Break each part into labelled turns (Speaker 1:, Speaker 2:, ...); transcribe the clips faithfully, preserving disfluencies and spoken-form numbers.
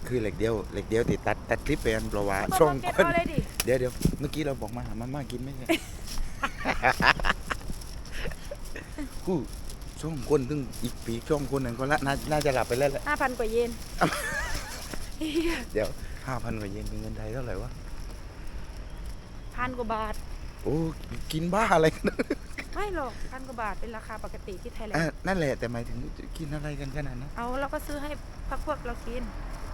Speaker 1: คือเหล็กเดียวเหล็กเดียวติดตัดตัดคลิปไปอันประวัติ
Speaker 2: ช่
Speaker 1: ช่
Speaker 2: อ
Speaker 1: อง ง
Speaker 2: เก็ต
Speaker 1: คน
Speaker 2: เอาเลยดิ
Speaker 1: เดี๋ยวเดี๋ยวเมื่อกี้เราบอกมาหามาม่ากินไม่ใช่ กูช่องคนถึงอีกปีช่องคนหนึ่งก็ละน่าน่าจะหลับไปแล้วแหละ
Speaker 2: ห้าพันกว่าเยน
Speaker 1: เดี๋ยวห้าพันกว่าเยนเป็นเงินไทยเท่าไหร่วะ
Speaker 2: พันกว่าบาท
Speaker 1: โอ้กินบ้าอะไรกัน
Speaker 2: ไม่หรอกพันกว่าบาทเป็นราคาปกติที่ไทยแลน
Speaker 1: อ่ะ
Speaker 2: ด์
Speaker 1: นั่นแหละแต่หมายถึงกินอะไรกันขนาดนั้น
Speaker 2: เอาเราก็ซื้อให้พักพวกเรากิน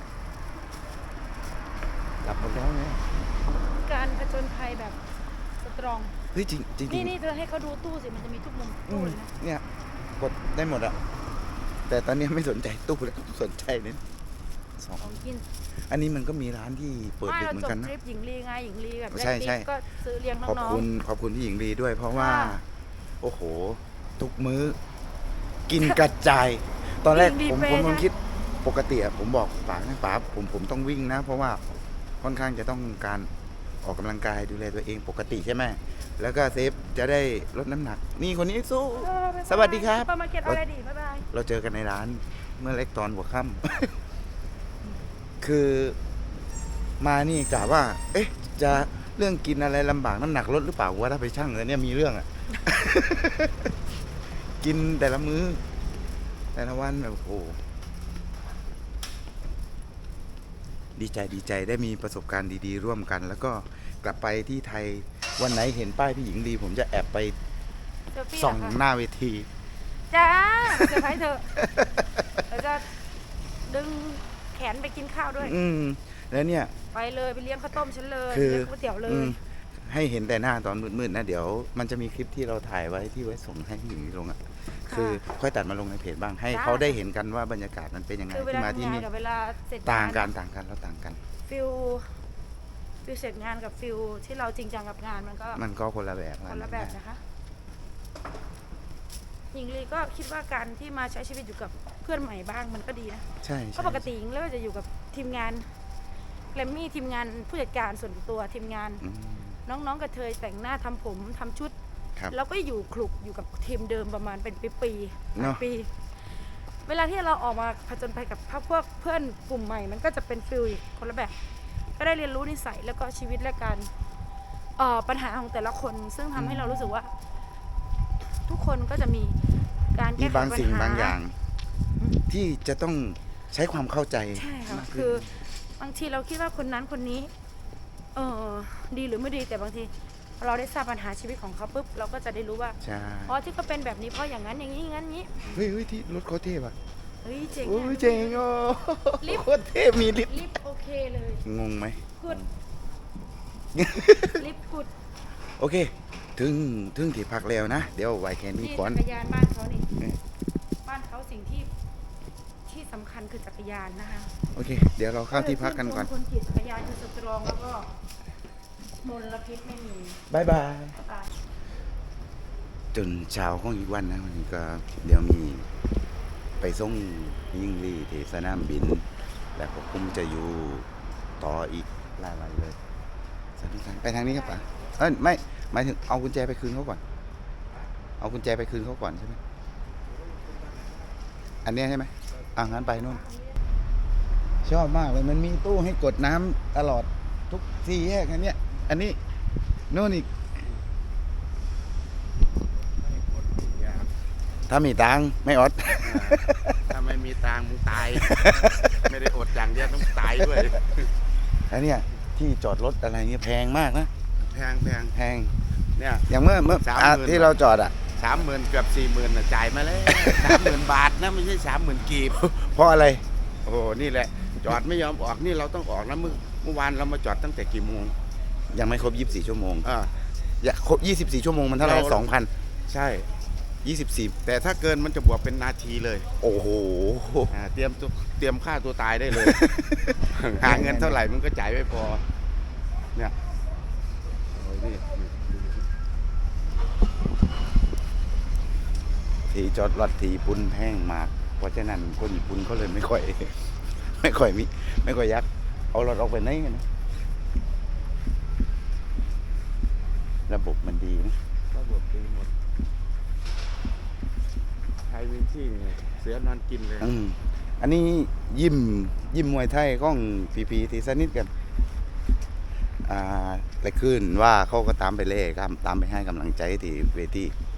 Speaker 1: หลับหมดแล้วไง
Speaker 2: การผจญภัยแบบสตรอง
Speaker 1: เฮ้ยจริงจริงจริ
Speaker 2: นี่
Speaker 1: ง
Speaker 2: นี่เธอให้เขาดูตู้สิมันจะมีทุกมุม
Speaker 1: อื
Speaker 2: ตู้
Speaker 1: ม
Speaker 2: เลยนะ
Speaker 1: เนี่ยกดได้หมดอะแต่ตอนนี้ไม่สนใจตู้แล้วสนใจเนี่ยสอง
Speaker 2: ของกิน
Speaker 1: อันนี้มันก็มีร้านที่เปิด
Speaker 2: ไม่
Speaker 1: ดึก
Speaker 2: เรา
Speaker 1: เหมือ
Speaker 2: จบ
Speaker 1: นกันนะ
Speaker 2: ทริปหญิงลีไงหญิงลีแบบ
Speaker 1: ใช่ใช่
Speaker 2: ก็ซื้อเลี้ยงน้
Speaker 1: ขอบ
Speaker 2: อง
Speaker 1: คุณขอบคุณพี่หญิงลีด้วย เพราะว่า
Speaker 2: ค่ะ
Speaker 1: โอ้โห ทุกมื้อ กินกระจาย ตอนแรก
Speaker 2: หญิงลี
Speaker 1: ผม
Speaker 2: เป
Speaker 1: ผม
Speaker 2: ย์
Speaker 1: ผม
Speaker 2: นะ
Speaker 1: คิดปกติอะผมบอกป๋านะป๋าผมผมต้องวิ่งนะ เพราะว่าค่อนข้างจะต้องการออกกำลังกายดูแลตัวเองปกติใช่ไหมแล้วก็เซฟจะได้ลดน้ำหนัก นี่คนนี้สู้
Speaker 2: ๆเออบ๊ายบาย
Speaker 1: สวัสดีครับ
Speaker 2: ซุปเปอร์มาร์เก็ตอะไรดีบ๊ายบาย
Speaker 1: เราเจอกันในร้านเมื่อเล็กตอนหัวค่ำ คือมานี่กะว่า เอ๊ะ จะเรื่องกินอะไรลำบากน้ำหนักลดหรือเปล่าว่าถ้าไปชั่งแล้วเนี่ยมีเรื่องอ่ะ กินแต่ละมื้อ แต่ละวันแบบโอ้โหดีใจดีใจได้มีประสบการณ์ดีๆ ร่วมกัน แล้วก็กลับไปที่ไทยวันไหนเห็นป้ายพี่หญิงดี ผมจะแอบไป
Speaker 2: เซลฟี่
Speaker 1: ส่อง
Speaker 2: เหรอคะ
Speaker 1: หน้าเวที
Speaker 2: จ้าเซอร์ไพรส์เธอเราจะดึงแขนไปกินข้าวด้วย
Speaker 1: อืมแล้วเนี่ย
Speaker 2: ไปเลยไปเลี้ยงข้าวต้มฉันเลย
Speaker 1: คือ
Speaker 2: เลี้ยงก๋วยเตี๋ยวเล
Speaker 1: อื
Speaker 2: ย
Speaker 1: มให้เห็นแต่หน้าตอนมืดๆนะเดี๋ยวมันจะมีคลิปที่เราถ่ายไว้ที่ไว้ส่งให้พี่หญิงลงอ่ะ
Speaker 2: ค่ะ
Speaker 1: คือค่อยตัดมาลงในเพจบ้างให้
Speaker 2: ได้
Speaker 1: เขาได้เห็นกันว่าบรรยากาศมันเป็นยังไง
Speaker 2: คือเว
Speaker 1: ที่
Speaker 2: ลา
Speaker 1: มาที่
Speaker 2: ทำงาน
Speaker 1: นี่
Speaker 2: กับเวลาเสร็จ
Speaker 1: ต่างกัน
Speaker 2: งน
Speaker 1: ต่างกันเราต่างกัน
Speaker 2: ฟิลฟิลเสร็จงานกับฟิลที่เราจริงจังกับงานมันก็
Speaker 1: มันก็คนละแบบ
Speaker 2: คนละแบบนะคะหญิงลีก็คิดว่าการที่มาใช้ชีวิตอยู่กับเพื่อนใหม่บ้างมันก็ดีนะ
Speaker 1: ใช่
Speaker 2: เพ
Speaker 1: ใช่
Speaker 2: ราะปกติหญิงเลิกจะอยู่กับทีมงานแกรมมี่ทีมงานผู้จัดการส่วนตัวทีมงาน
Speaker 1: อืม
Speaker 2: น้องๆกระเทยแต่งหน้าทำผมทำชุด
Speaker 1: ครับ
Speaker 2: แล้วก็อยู่คลุกอยู่กับทีมเดิมประมาณเป็นปีๆห
Speaker 1: เน
Speaker 2: ลา
Speaker 1: อะ
Speaker 2: ยปี เวลาที่เราออกมาผจญภัยกับพวกเพื่อนกลุ่มใหม่ มันก็จะเป็นฟิลอีกคนละแบบ ก็ได้เรียนรู้นิสัยแล้วก็ชีวิตและการเอ่อปัญหาของแต่ละคน ซึ่งทำให้เรารู้สึกว่า ทุกคนก็จะมีการ
Speaker 1: มี
Speaker 2: แก้ไข
Speaker 1: บาง
Speaker 2: ปัญ
Speaker 1: สิ่ง
Speaker 2: หา
Speaker 1: บางอย่าง ที่จะต้องใช้ความเข้าใจ
Speaker 2: ใช่ค่ะ
Speaker 1: มาก
Speaker 2: คื
Speaker 1: ขึ้
Speaker 2: อน บางทีเราคิดว่าคนนั้นคนนี้ เออดีหรือไม่ดีแต่บางทีเราได้ทราบปัญหาชีวิตของเขาปุ๊บเราก็จะได้รู้ว่า
Speaker 1: ใช่
Speaker 2: อ๋อที่เขาเป็นแบบนี้เพราะอย่างนั้นอย่างนี้อย่างนั้นอย่างนี้
Speaker 1: เฮ้ยเฮ้ยที่รถเขาเทพอ่ะ
Speaker 2: เฮ้ยเจ๋ง
Speaker 1: โอ้
Speaker 2: อะ
Speaker 1: ยเจ๋งโอ้
Speaker 2: ลิฟต์
Speaker 1: โคตรเทพมีลิฟต์
Speaker 2: ลิฟต์โอเคเลย
Speaker 1: งงไหม
Speaker 2: กุดลิฟต์กุด
Speaker 1: โอเค ถึงถึงที่พักแล้วนะ เดี๋ยวไว้แค่นี้
Speaker 2: นี่
Speaker 1: ก่อน
Speaker 2: จักรยานบ้านเขานี่
Speaker 1: เออ
Speaker 2: บ้านเขาสิ่งที่ที่สำคัญคือจักรยานนะคะ
Speaker 1: โอเค เดี๋ยวเราเข้าที่พักกันก่อน
Speaker 2: คนขี่จักรยานคือสตรองแล้วก็มลพิษไม่มี
Speaker 1: บายบาย
Speaker 2: ตาย
Speaker 1: จนเช้าของอีกวันนะวันนี้ก็เดี๋ยวมีไปส่งยิ่งลีที่สนามบิน แล้วก็คุมจะอยู่ต่ออีกหลายวันเลยสนุกสนานไปทางนี้ครับป่ะเอ้ยไม่หมายถึงเอากุญแจไปคืนเขาก่อน เอากุญแจไปคืนเขาก่อนใช่ไหมอันเนี้ยใช่ไหมอ่างั้นไปนู่น ชอบมากเลยมันมีตู้ให้กดน้ำตลอดทุกสี่แยกอันเนี้ยอันนี้โน่นอีก ถ้ามีตังค์ไม่อด
Speaker 3: ถ้าไม่มีตังค์มึงตาย ไม่ได้อดอย่างเดียวต้องตายด้วย
Speaker 1: อันเนี้ยที่จอดรถอะไรเงี้ยแพงมากนะ
Speaker 3: แพงแพง
Speaker 1: แพง
Speaker 3: เนี่ย
Speaker 1: อย่างเมื่อเมื่อ
Speaker 3: สาม
Speaker 1: อ่ะ
Speaker 3: หมื่น
Speaker 1: ที่เราจอดอ่ะ
Speaker 3: สามหมื่นเกือบสี่หมื่นน่ะจ่ายมาแล้วสามหมื่นบาทนะไม่ใช่สามหมื่นกีบ
Speaker 1: เพราะอะไร
Speaker 3: โอ้โหนี่แหละ จอดไม่ยอมออกนี่เราต้องออกนะเมื่อเมื่อวานเรามาจอดตั้งแต่กี่โมง
Speaker 1: ยังไม่ครบยี่สิบสี่ชั่วโมง
Speaker 3: อ่า
Speaker 1: อย่าครบยี่สิบสี่ชั่วโมงมันเท่าไหร่
Speaker 3: เรา
Speaker 1: สองพัน
Speaker 3: ใช่
Speaker 1: ยี่สิบสี่
Speaker 3: แต่ถ้าเกินมันจะบวกเป็นนาทีเลย
Speaker 1: โอ้โห
Speaker 3: อ่าเตรียมตัวเตรียมฆ่าตัวตายได้เลย หาเงินเท่าไหร่มันก็จ่ายไม่พอเนี่ยโอ้ยนี่
Speaker 1: ที่จอดรถที่ญี่ปุ่นแพงมาก เพราะฉะนั้นคนญี่ปุ่นเขาเลยไม่ค่อย ไม่ค่อยมีไม่ค่อยยักเอารถออกไปไหนกันนะระบบมันดีนะ
Speaker 3: ระบบดีหมดใครมีที่เนี่ยเสือนอนกินเลย
Speaker 1: อืมอันนี้ยิ้มยิ้มมวยไทยของพีพีที่สนิทกันอ่าแต่คืนว่าเขาก็ตามไปเล่ครับตามไปให้กำลังใจที่เวที